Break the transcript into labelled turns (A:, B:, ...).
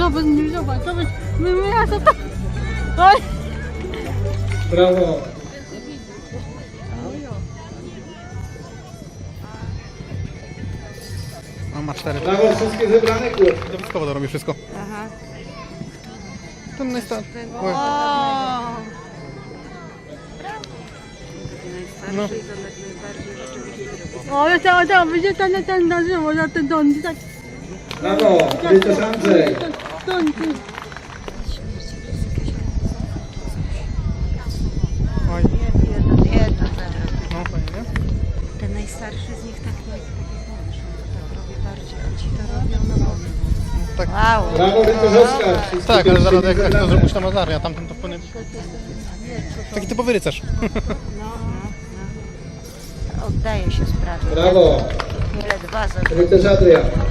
A: zobacz, nie zobacz, zobacz. Ja to tak. Oj.
B: Brawo.
C: On ma 4.
B: Brawo, wszystkie zebrane kół.
C: Dodatkowo to robi wszystko.
A: Aha.
C: Ten najstarszy. Oj.
A: O.
C: No.
A: O, ja tam będzie ten na żywo, na ten dom. Tak.
B: Brawo, Rycerz Andrzej.
C: Oj.
A: Jedno
C: No, fajnie, nie?
A: Ten najstarszy z nich tak robi bardziej, a ci to robią na boku.
C: Tak,
A: Wow.
B: Brawo, Rycerz Oskar. Wszystkie
C: tak, ale zaraz
B: pierścienie
C: jak to
B: zebrane.
C: zrobić to Mazarnia, a tamten to wpłynie. Taki typowy rycerz.
A: No. Oddaje się sprawie.
B: Brawo,
A: Ile dwa za
B: Rycerz Adrian.